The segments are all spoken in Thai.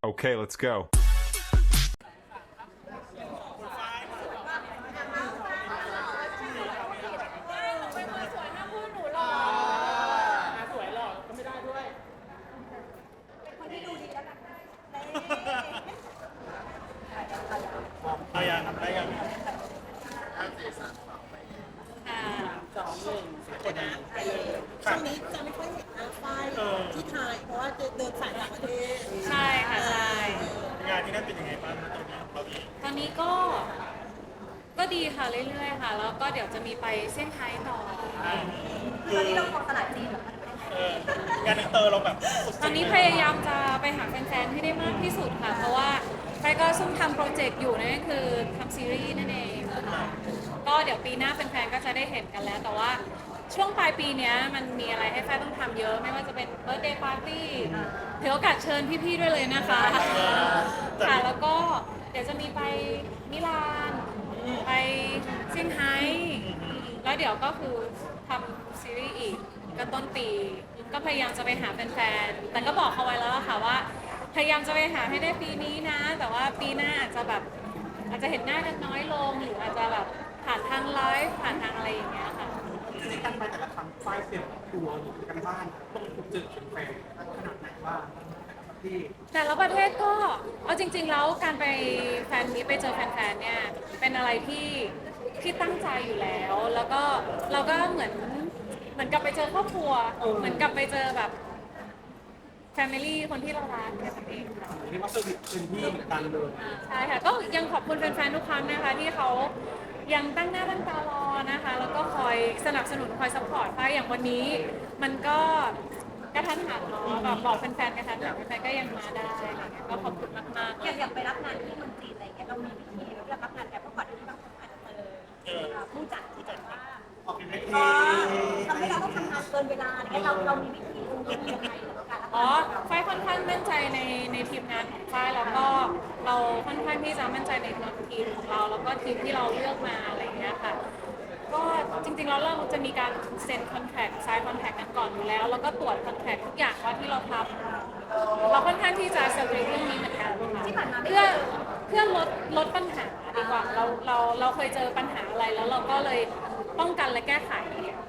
Okay, let's go. ได้ยังได้ยังช่วงนี้จะไม่ค่อยเห็นหน้าฝ้ายที่ไทยเพราะว่าจะเดินสายต่างประเทศใช่ค่ะใช่งานที่นั่นเป็นยังไงบ้างตอนนี้ตอนนี้ก็ดีค่ะเรื่อยๆค่ะ แล้วก็เดี๋ยวจะมีไปเซี่ยงไฮ้ต่อตอนนี้เราของตลาดจีนงานอินเตอร์เราแบบตอนนี้พยายามจะไปหาแฟนๆให้ได้มากที่สุดค่ะ เพราะว่าไปก็ซุ่มทำโปรเจกต์อยู่นั่นก็คือทำซีรีส์นั่นเองค่ะก็เดี๋ยวปีหน้าแฟนๆก็จะได้เห็นกันแล้ว แต่ว่าช่วงปลายปีนี้มันมีอะไรให้แฟนต้องทำเยอะ ไม่ว่าจะเป็นเบิร์ธเดย์ปาร์ตี้ถือโอกาสเชิญพี่ๆด้วยเลยนะคะค่ะแล้วก็เดี๋ยวจะมีไปมิลานไปเซี่ยงไฮ้แล้วเดี๋ยวก็คือทำซีรีส์อีกก็ต้นปีก็พยายามจะไปหาแฟนๆแต่ก็บอกเขาไว้แล้วล่ะค่ะว่าพยายามจะไปหาให้ได้ปีนี้นะ แต่ว่าปีหน้าอาจจะเห็นหน้ากันน้อยลงหรืออาจจะแบบผ่านทางไลฟ์ผ่านทางอะไรอย่างเงี้ยค่ะจริงๆการไปแต่ละครั้งฝ้ายเสร็จตัวหรือกันบ้านต้องเจอแฟนขนาดไหนบ้างที่แต่ละประเทศก็เอาจริงๆแล้วการไปแฟนมีตไปเจอแฟนๆเนี่ยเป็นอะไรที่ตั้งใจอยู่แล้ว แล้วก็เราก็เหมือนกับไปเจอครอบครัวเหมือนกับไปเจอแบบแฟมิลี่คนที่เรารักแค่นั้นเองค่ะเรียกว่าเซอร์วิสเป็นที่เหมือนกันเลยใช่ค่ะก็ยังขอบคุณแฟนๆทุกครั้งนะคะที่เขายังตั้งหน้าตั้งตารอนะคะแล้วก็คอยสนับสนุนคอยซัพพอร์ตไปอย่างวันนี้มันก็กระทันหันเนาะแบบบอกแฟนๆกระทันหันแฟนๆก็ยังมาได้อะไรเงี้ยก็ขอบคุณมากๆอยากไปรับงานที่เมืองจีนอะไรเงี้ยเรามีวิธีเราเลือกรับงานแบบเมื่อก่อนที่บางคนอาจจะเจอผู้จัดว่าออกเป็นเวทีทำให้เราต้องทำงานเกินเวลาอะไรเงี้ยเรามีวิธีดูยังไงกับการรับอ๋องานฝ้ายค่อนข้างมั่นใจในทีมงานของฝ้ายแล้วก็เราค่อนข้างที่จะมั่นใจในทีมของเราแล้วก็ทีมที่เราเลือกมาอะไรอย่างเงี้ยค่ะก็จริงๆแล้วเราจะมีการเซ็นคอนแทคไซน์คอนแทคกันก่อนอยู่แล้วแล้วก็ตรวจคอนแทคทุกอย่างว่าที่เราทำเราค่อนข้างที่จะเซอร์วิสเรื่องนี้เหมือนกันค่ะเพื่อลดปัญหาดีกว่าเราเคยเจอปัญหาอะไรแล้วเราก็เลยป้องกันและแก้ไข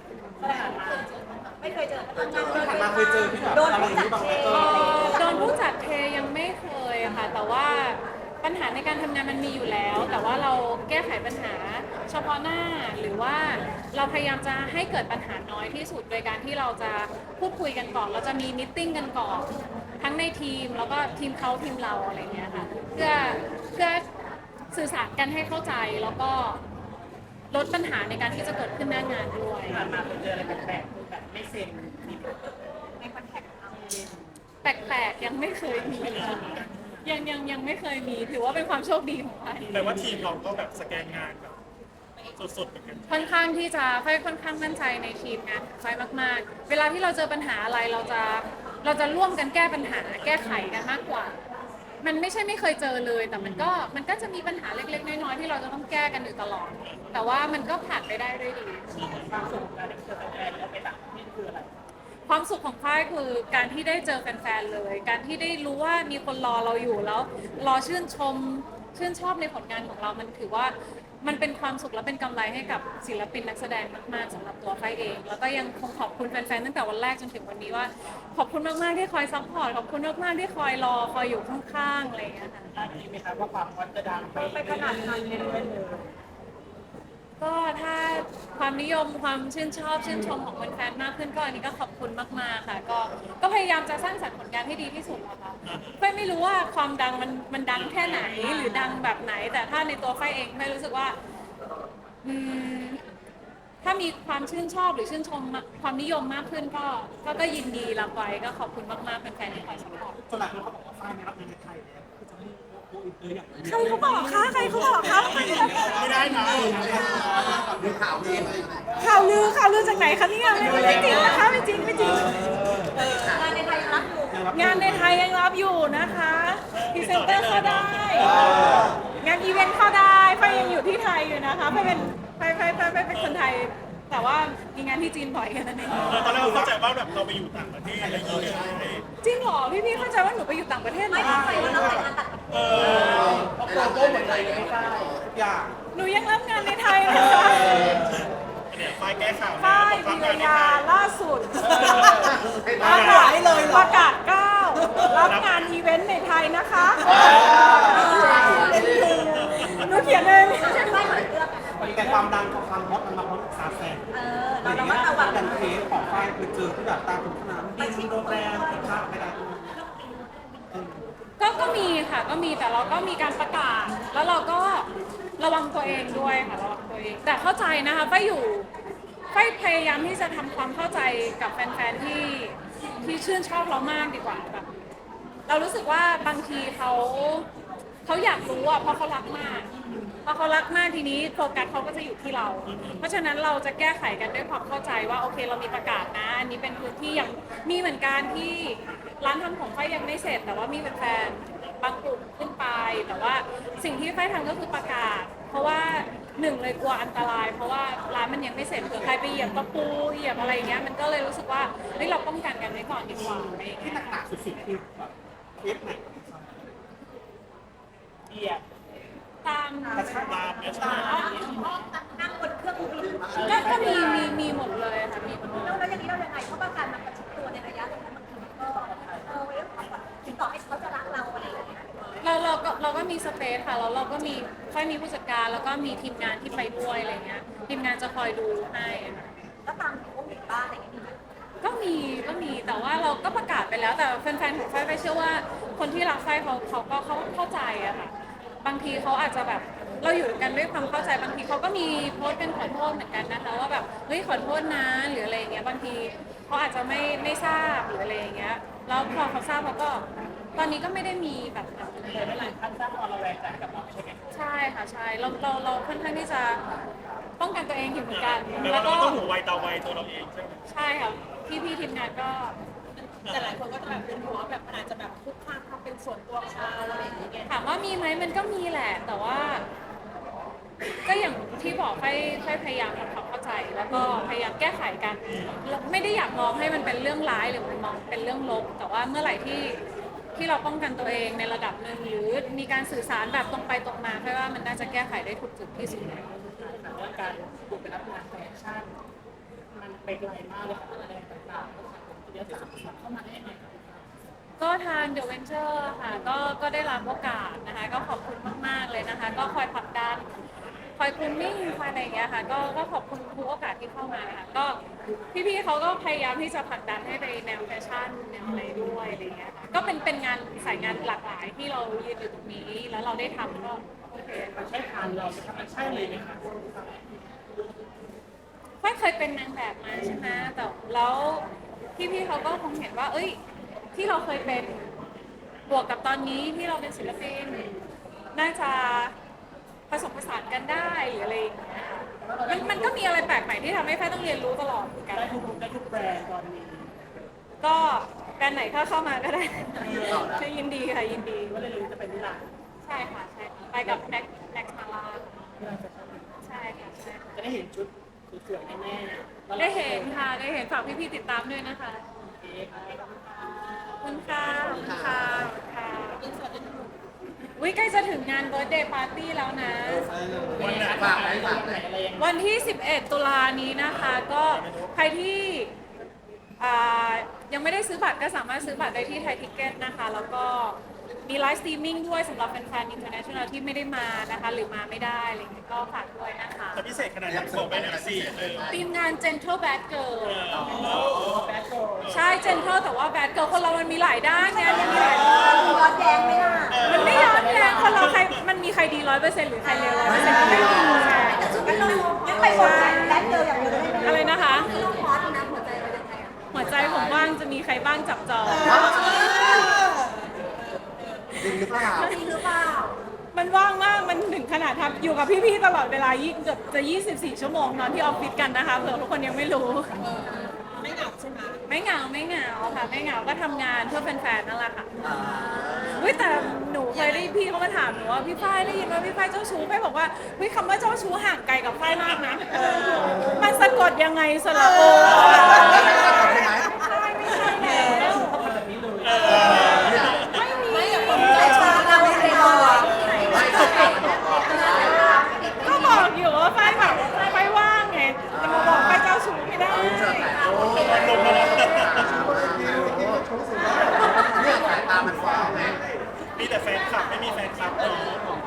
ไม่เคยเจอทำงานที่ผ่านมาเคยเจอที่แบบโดนอะไรผู้อย่างจัดนี้บ้างไหมเทโดนผู้จัดเทยังไม่เคยค่ะแต่ว่าปัญหาในการทำงานมันมีอยู่แล้ว แต่ว่าเราแก้ไขปัญหาเฉพาะหน้าหรือว่าเราพยายามจะให้เกิดปัญหาน้อยที่สุดโดยการที่เราจะพูดคุยกันก่อนเราจะมีมิทติ้งกันก่อนทั้งในทีมแล้วก็ทีมเขาทีมเราอะไรเงี้ยค่ะเพื่อสื่อสารกันให้เข้าใจแล้วก็ลดปัญหาในการที่จะเกิดขึ้นหน้างานด้วยมาเคยเจออะไรแปลกๆแบบไม่เซ็นในคอนแทคของเราแปลกๆยังไม่เคยมียังไม่เคยมีถือว่าเป็นความโชคดีของไฟแต่ว่าทีมเราก็แบบสแกนงานแบบสดๆเหมือนกันค่อนข้างที่จะไฟค่อนข้างมั่นใจในทีมงานของไฟมากๆ เวลาที่เราเจอปัญหาอะไรเราจะร่วมกันแก้ปัญหาแก้ไขกันมากกว่า มันไม่ใช่ไม่เคยเจอเลยแต่มันก็จะมีปัญหาเล็กๆน้อยๆที่เราจะต้องแก้กันอยู่ตลอด แต่ว่ามันก็ผ่านไปได้ด้วยดีความสุขของการได้เจอแฟนแล้วไปต่างประเทศคืออะไรความสุขของฝ้ายคือการที่ได้เจอแฟนๆเลย การที่ได้รู้ว่ามีคนรอเราอยู่แล้วรอชื่นชอบในผลงานของเรา มันถือว่ามันเป็นความสุขและเป็นกำไรให้กับศิลปินนักแสดงมากๆสำหรับตัวฝ้ายเอง แล้วก็ยังคงขอบคุณแฟนๆตั้งแต่วันแรกจนถึงวันนี้ว่า ขอบคุณมากๆที่คอยซัพพอร์ตขอบคุณมากๆที่คอยรอคอยอยู่ข้างๆอะไรอย่างเงี้ยค่ะได้ยินไหมครับว่าความฮอตจะดังไปขนาดนั้นเลยก็ถ้าความนิยมความชื่นชมของแฟนๆมากขึ้นก็อันนี้ก็ขอบคุณมากๆค่ะก็พยายามจะสร้างสรรค์ผลงานให้ดีที่สุดนะคะไฟไม่รู้ว่าความดังมันดังแค่ไหนหรือดังแบบไหน แต่ถ้าในตัวไฟเองไม่รู้สึกว่าถ้ามีความชื่นชอบหรือชื่นชมความนิยมมากขึ้นก็ยินดีรับไว้ก็ขอบคุณมากๆแฟนๆที่คอยสปอร์ตสำหรับคนเขาบอกว่าฝ้ายไม่รับงานในไทยแล้วคือจะไม่โกอินเตอร์อย่างนี้ใครเขาบอกคะใครเขาบอกคะไม่ได้นะข่าวลือจากไหนคะเนี่ยไม่จริงนะคะไม่จริงงานในไทยยังรับอยู่งานในไทยยังรับอยู่นะคะพรีเซนเตอร์เข้าได้ งานอีเวนต์เข้าได้ไฟยังอยู่ที่ไทยอยู่นะคะไฟเป็นคนไทยแต่ว่ามีงานที่จีนบ่อยแค่นั้นเองตอนแรกเราเข้าใจว่าแบบเราไปอยู่ต่างประเทศอะไรอย่างเงี้ยจริงเหรอพี่เข้าใจว่าหนูไปอยู่ต่างประเทศเหรไม่อเข้าใจว่าเราแต่งงานตัดเราโตเหมือนไทยเลยไม่ใช่ทุกอย่างหนูยังรับงานในไทยนะคะเนี่ยไฟล์แก้ข่าวป้ายวิรยาล่าสุดประกาศ9รับงานอีเวนต์ในไทยนะคะหนูเขียนเองไม่เหมือนเลือกแต่ความดังกับความฮอตมันมาพร้อมกับซาแซงเราระมัดระวังกันเคสของฝ้ายคือเจอที่แบบตามถึงสนามบินโรงแรมที่พักไม่ได้ก็มีค่ะก็มีแต่เราก็มีการประกาศ แล้วเราก็ระวังตัวเองด้วยค่ะระวังตัวเองแต่เข้าใจนะคะไฟพยายามที่จะทำความเข้าใจกับแฟนๆที่ชื่นชอบเรามากดีกว่าแบบเรารู้สึกว่าบางทีเขาอยากรู้อ่ะเพราะเขารักมากพอเขารักมากทีนี้โฟกัสเขาก็จะอยู่ที่เรา เพราะฉะนั้นเราจะแก้ไขกันด้วยความเข้าใจว่าโอเคเรามีประกาศนะอันนี้เป็นพื้นที่ยังมีเหมือนกันที่ร้านทำของไฟยังไม่เสร็จแต่ว่ามีแฟนๆบางกลุ่มขึ้นไปแต่ว่าสิ่งที่ไฟทำก็คือประกาศ เพราะว่าหนึ่งเลยกลัวอันตราย เพราะว่าร้านมันยังไม่เสร็จเผื่อใครไปเหยียบตะปูเหยียบอะไรเงี้ยมันก็เลยรู้สึกว่าเฮ้ยเราป้องกันกันไว้ก่อนดีกว่าอะไรอย่างที่เงี้ยหนักๆสุดๆคือแบบเคสไหนตามตามเนี่ยใช่ไหมนั่งบนเครื่องบินก็มีหมดเลยค่ะมีหมดเลยแล้วอย่างนี้เรายังไงเพราะว่าการมันประชิดตัวในระยะนั้นบางทีก็เรื่องของแบบถึงต่อให้เขาจะรักเราอะไรอย่างเงี้ยเราก็มีสเปซค่ะแล้วเราก็มีค่อยมีผู้จัดการแล้วก็มีทีมงานที่ไปด้วยอะไรเงี้ยทีมงานจะคอยดูให้ค่ะก็ตามถึงพวกเด็กบ้านอะไรอย่างเงี้ยก็มีแต่ว่าเราก็ประกาศไปแล้วแต่แฟนๆของไฟเชื่อว่าคนที่รักไฟเขาก็เข้าใจอะค่ะบางทีเขาอาจจะแบบเราอยู่กันด้วยความเข้าใจบางทีเขาก็มีโพสต์เป็นขอโทษเหมือนกันนะคะว่าแบบเฮ้ยขอโทษนะหรืออะไรอย่างเงี้ยบางทีเขาอาจจะไม่ทราบหรืออะไรอย่างเงี้ยแล้วพอเขาทราบเขาก็ตอนนี้ก็ไม่ได้มีแบบนั้นเลยไม่หลายท่านทราบความระแวงใจกับเราใช่ไหมใช่ค่ะใช่เราค่อนข้างที่จะป้องกันตัวเองอยู่เหมือนกันแปลแล้ว่าว เราก็ต้องหูไวตาไวตัวเราเองใช่ไหมใช่ค่ะพี่ทีมงานก็แต่หลายคนก็จะแบบเป็นห่วงว่าแบบมันอาจจะแบบคุกคามความเป็นส่วนตัวของเราอะไรอย่างเงี้ยถามว่ามีไหมมันก็มีแหละ แต่ว่า ก็อย่างที่บอกให้พยายามทำความเข้าใจ แล้วก็พยายามแก้ไขกันแล้วไม่ได้อยากมองให้มันเป็นเรื่องร้ายหรือมันมองเป็นเรื่องลบแต่ว่าเมื่อไหร่ที่เราป้องกันตัวเองในระดับหนึ่งหรือมีการสื่อสารแบบตรงไปตรงมาเพราะว่ามันน่าจะแก้ไขได้ถูกจุดที่สุดแต่ว่าการถูกเป็นรับงานแฟชั่นมันไปไกลมากเลยค่ะแรงต่างๆก็ค่ะผมเดี๋ยวสามเข้ามาได้ยังไงคะก็ทาง The Venture ค่ะก็ได้รับโอกาสนะคะก็ขอบคุณมากๆเลยนะคะ ก็คอยผลักดันคอยคุมมิ่งคอยอะไรอย่างเงี้ยค่ะก็ขอบคุณทุกโอกาสที่เข้ามาค่ะก็พี่ๆเขาก็พยายามที่จะผลักดันให้ไปแนวแฟชั่นแนวอะไรด้วยอะไรอย่างเงี้ยค่ะก็เป็นงานสายงานหลากหลายที่เรายืนอยู่ตรงนี้แล้วเราได้ทำก็โอเคมันใช่ทางเราไหมคะมันใช่เลยไหมคะฝ้ายเคยเป็นนางแบบมาใช่ไหมแต่แล้วพี่ๆเขาก็คงเห็นว่า เอ้ย ที่เราเคยเป็นบวกกับตอนนี้ที่เราเป็นศิลปินน่าจะผสมผสานกันได้หรืออะไรอย่างเงี้ยมันก็มีอะไรแปลกใหม่ที่ทำให้ฝ้ายต้องเรียนรู้ตลอดเหมือนกันได้ทุกแบรนด์ตอนนี้ก็แบรนด์ไหนเข้ามาก็ได้ใช่ยินดีค่ะยินดีก็เลยรู้จะเป็นนิรันดร์ใช่ค่ะใช่ไปกับแน็กมาลาที่เราจะทใช่ค่ะใช่ค่ะำจะได้เห็นชุดสวยๆแน่ๆแล้วได้เห็นค่ะได้เห็นฝากพี่ๆติดตามด้วยนะคะเค้กอะไรแบบนี้ขอบคุณค่ะขอบคุณค่ะค่ะวิใกล้จะถึงงานเบิร์ธเดย์ปาร์ตี้แล้วนะวันไหนฝากไหนฝากไหนอะไรอย่างเงี้ยวันที่ 11 ตุลานี้นะคะ ก็ใครที่ยังไม่ได้ซื้อบัตรก็สามารถซื้อบัตรได้ที่ไทยทิกเก็ตนะคะ แล้วก็มีไลฟ์สตรีมมิ่งด้วยสำหรับแฟนๆ international ที่ไม่ได้มานะคะ หรือมาไม่ได้อะไรอย่างเงี้ยก็ฝากด้วยนะคะจะพิเศษขนาดไหนบอกไปหน่อยสิทีมงาน Gentle Bad Girl แบทโกลใช่ Gentle แต่ว่า Bad Girl คนเรามันมีหลายด้านไงมันมีหลายด้านย้อนแย้งไหมล่ะมันไม่ย้อนแย้งคนเราใครมันมีใครดี 100%หรือใครเลว 100%ก็ไม่มีไงแต่สุดท้ายเรางั้นไปหมดแดนเดียวอย่างเดียวได้ไหมอะไรนะคะต้องคอร์สนะหัวใจเราจะไงอ่ะหัวใจผมว่างจะมีใครบ้างจับจองจริงหรือเปล่าจริงหรือเปล่ามันว่างมาก มันถึงขนาดทำอยู่กับพี่ๆตลอดเวลาเกือบจะ 24 ชั่วโมงนอนที่ออฟฟิศกันนะคะเผื่อทุกคนยังไม่รู้ไม่เหงาใช่ไหมไม่เหงาค่ะ ไม่เหงาก็ทำงานเพื่อแฟนๆนั่นแหละค่ะอุ้ยแต่หนูเลยได้พี่เขามาถามหนูว่าพี่ฝ้ายได้ยินว่าพี่ฝ้ายเจ้าชู้ฝ้ายบอกว่าเฮ้ยคำว่าเจ้าชู้ห่างไกลกับฝ้ายมากนะมันสะกดยังไงสระโอไม่มีก็บอกอยู่ว่าฝ้ายแบบฝ้ายว่างไงจะมาบอกฝ้ายเจ้าชู้ไม่ได้มีแต่แฟนคลับไม่มีแฟนคลับเนาะ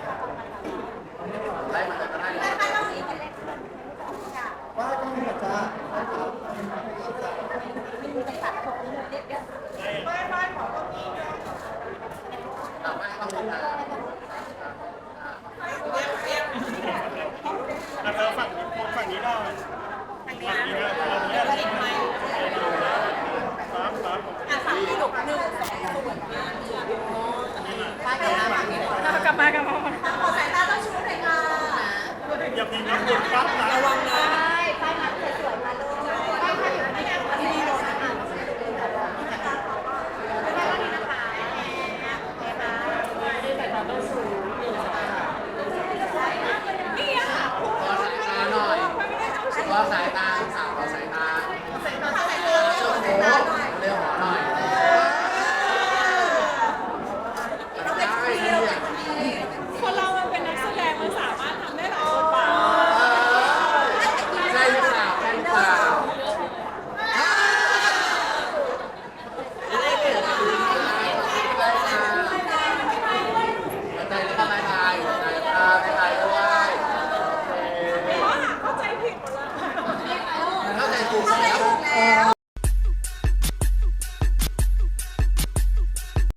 เธอฝั่งนี้หน่อยฝั่งนี้นะฝั่งนี้ครับกลับมาอย่ามีน้ำบุญปั๊บนะระวังนะที่แต่เราต้องสู้